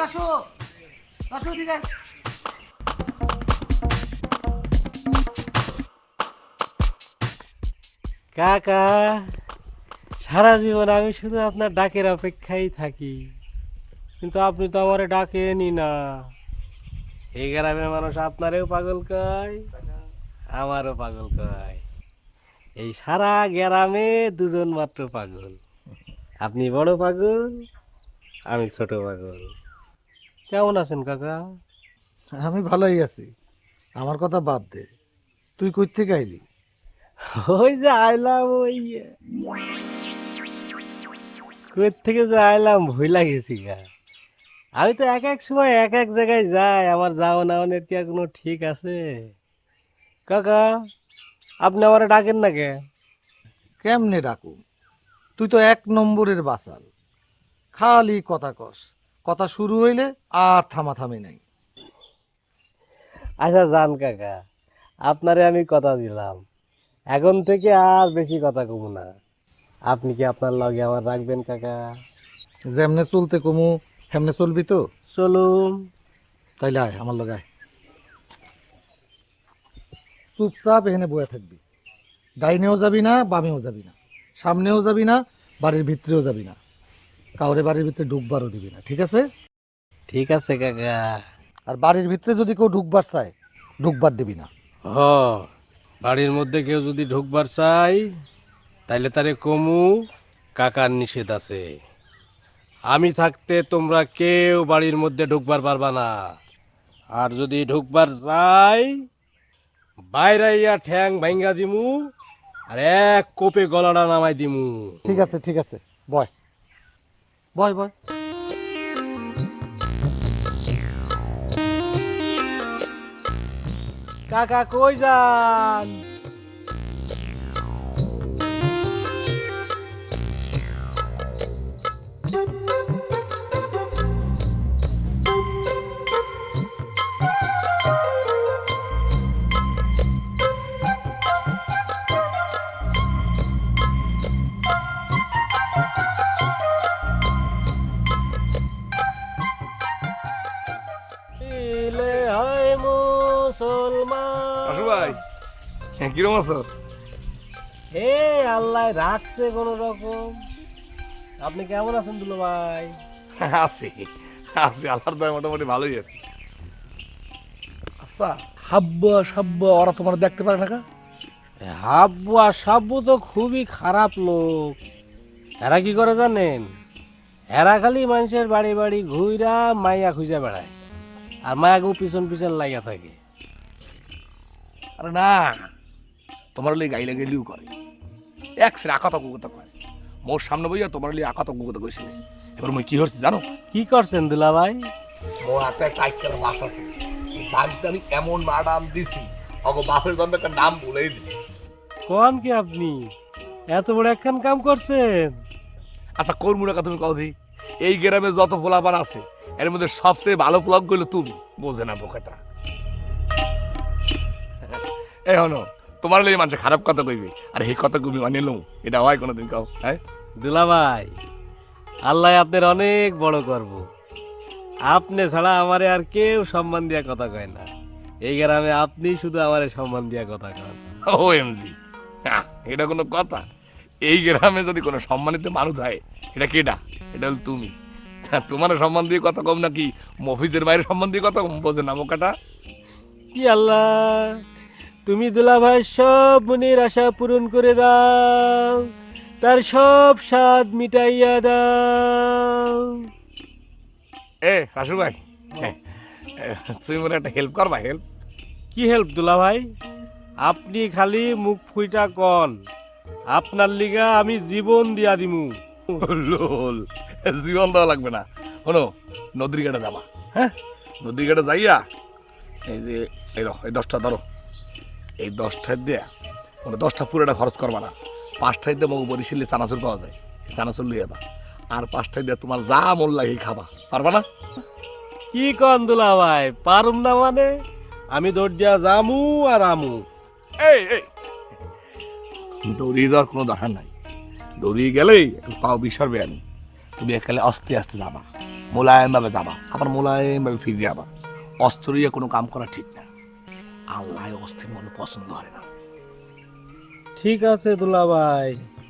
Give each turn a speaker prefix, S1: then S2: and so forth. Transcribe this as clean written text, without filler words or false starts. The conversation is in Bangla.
S1: আসো আসো দিকে।
S2: কাকা, সারা জীবন আমি শুধু আপনার ডাকের অপেক্ষায় থাকি, কিন্তু আপনি তো আমারে ডাকেনই না। এই গ্রামের মানুষ আপনারেও পাগল কয়, আমারও পাগল কয়। এই সারা গ্রামে দুজন মাত্র পাগল, আপনি বড় পাগল, আমি ছোট পাগল। কেমন আছেন কাকা?
S3: আমি ভালোই আছি। আমার কথা বাদ দে, তুই কই থেকে আইলি?
S2: ওই যে আইলাম, ওই কই থেকে যে আইলাম ভুইলা গেছি গা। আমি তো এক এক সময় এক এক জায়গায় যাই, আমার যাওয়া নাওয়ানের কি আর কোনো ঠিক আছে? কাকা, আপনি আমারে ডাকেন না কে?
S3: কেমনে ডাকু? তুই তো এক নম্বরের বাসাল, খালি কথা কস। কথা শুরু হইলে আর থামাথামি নাই।
S2: আচ্ছা যান কাকা, আপনারে আমি কথা দিলাম, এখন থেকে আর বেশি কথা কমু না। আপনি কি আপনার লগে আমার রাখবেন কাকা?
S3: যেমনে চলতে কমু হেমনে চলবি তো?
S2: চলুন।
S3: তাইলে আয় আমার লগে আয়। চুপচাপ এখানে বয়ে থাকবি। ডাইনেও যাবি না, বামেও যাবি না, সামনেও যাবি না, বাড়ির ভিতরেও যাবি না, কাউরে বাড়ির ভিতরে ঢুকবারও দিবি না, ঠিক আছে?
S2: ঠিক আছে কাকা।
S3: আর বাড়ির ভিতরে যদি কেউ ঢুকবার চায়, ঢুকবার দিবি না।
S2: হ, বাড়ির মধ্যে কেউ যদি ঢুকবার চাই, তাইলে তারে কমু কাকার নিষেধ আছে। আমি থাকতে তোমরা কেউ বাড়ির মধ্যে ঢুকবার পারবা না। আর যদি ঢুকবার চাই, বাইরাইয়া ঠ্যাং ভাঙ্গা দিমু, আর এক কোপে গলাটা নামাই দিমু।
S3: ঠিক আছে ঠিক আছে, বয় বয় বয়।
S2: কাকা কই যান? ইলে হয় মুসলমান।
S4: আসু ভাই, কিরম আছো?
S2: হে আল্লাহ রাখছে কোন রকম। আপনি কেমন আছেন দুলো ভাই?
S4: আছি আছি, আল্লাহর দয় মোটামুটি ভালোই আছে।
S5: আচ্ছা, হাব্বু সাব্বু ওরা তোমার দেখতে পারে না কা?
S2: হাব্বু আর সাব্বু তো খুবই খারাপ লোক। এরা কি করে জানেন? এরা খালি মানুষের বাড়ি বাড়ি ঘুইরা মাইয়া খুঁজে বেড়ায়, আর মায়াকে পিছন পিছন লাগিয়া থাকে।
S5: আরে না, তোমার লিগে গাইলে গেলিও করে, এক সেরে আকাত কুকতা করে। মোর সামনে বইয়া তোমার লিগে আকাত কুকতা কইছিলে। এবার মই কি হচ্ছে জানো?
S2: কি করছেন দুলা ভাই?
S5: মোর হাতে টাইট করে বাস আছে, বাড়িতে আমি এমন ম্যাডাম দিছি, অগো বাপের জন্য একটা নাম বলেই দিই।
S2: কোন কি আপনি এত বড় একখান কাম করছেন?
S5: আচ্ছা, কোন মুড়া তুমি কও দি? এই গ্রামে যত পোলাপান আছে, এর মধ্যে সবচেয়ে ভালো পোলাপ গেলো তুমি। বোঝে না বোকাটা। এই হনো, তোমার লিগে মানুষ খারাপ কথা কইবে, আর এই কথা তুমি মানিয়ে লও, এটা হয় কোনোদিন কাও? হ্যাঁ
S2: দুলা ভাই, আল্লাহ আপনার অনেক বড় করব। আপনি ছাড়া আমারে আর কেউ সম্মান দিয়া কথা কয় না। এই গ্রামে আপনি শুধু আমারে সম্মান দিয়া কথা কন।
S5: ও এমজি, এটা কোনো কথা? এই গ্রামে যদি কোনো সম্মানিত মানুষ হয়, এটা কেডা? এটা হল তুমি। তোমার সম্মান দিয়ে কথা কম নাকি মফিজের বাইরে সম্মান দিয়ে কথা কম? বোঝে না বোকাটা।
S2: কি আল্লাহ, তুমি দুলা ভাই সব মনের আশা পূরণ করে দাও, তার সব স্বাদ মিটাইয়া দাও।
S5: এ রাসু ভাই, তুমি মনে একটা হেল্প করবা? হেল্প?
S2: কি হেল্প দুলা ভাই? আপনি খালি মুখ ফুইটা কন, আপনার লিগা আমি জীবন দিয়া দিমু।
S5: লোল, জীবন দেওয়া লাগবে না। শোনো, নদীর ঘাটে যাবা। হ্যাঁ, নদীর ঘাটে যাইয়া এই যে এই 10টা ধরো, এই 10টায় দিয়ে মানে 10টা পুরোটা খরচ করবা না। 5টায় দিয়ে মগু বরিশালে চানাচুর পাওয়া যায়, চানাচুর লিয়ে যাবা। আর 5টায় দিয়ে তোমার যা মন লাগে খাবা। পারবা না?
S2: কি কন দুলা ভাই, পারুম না মানে? আমি দৌড় দিয়া জামু আর আমু।
S5: এই এই দৌড়িয়ে যাওয়ার কোনো দরকার নাই। দৌড়িয়ে গেলেই একটু পাও বিষারবে। আমি তুমি একালে আস্তে আস্তে যাবা, মোলায়েমভাবে যাবা, আবার মোলায়েমভাবে ফিরে যাবা। অস্ত্রিয়া কোনো কাম করা ঠিক না। আল্লাহ অস্থির মনে পছন্দ করে না।
S2: ঠিক আছে দুলাভাই,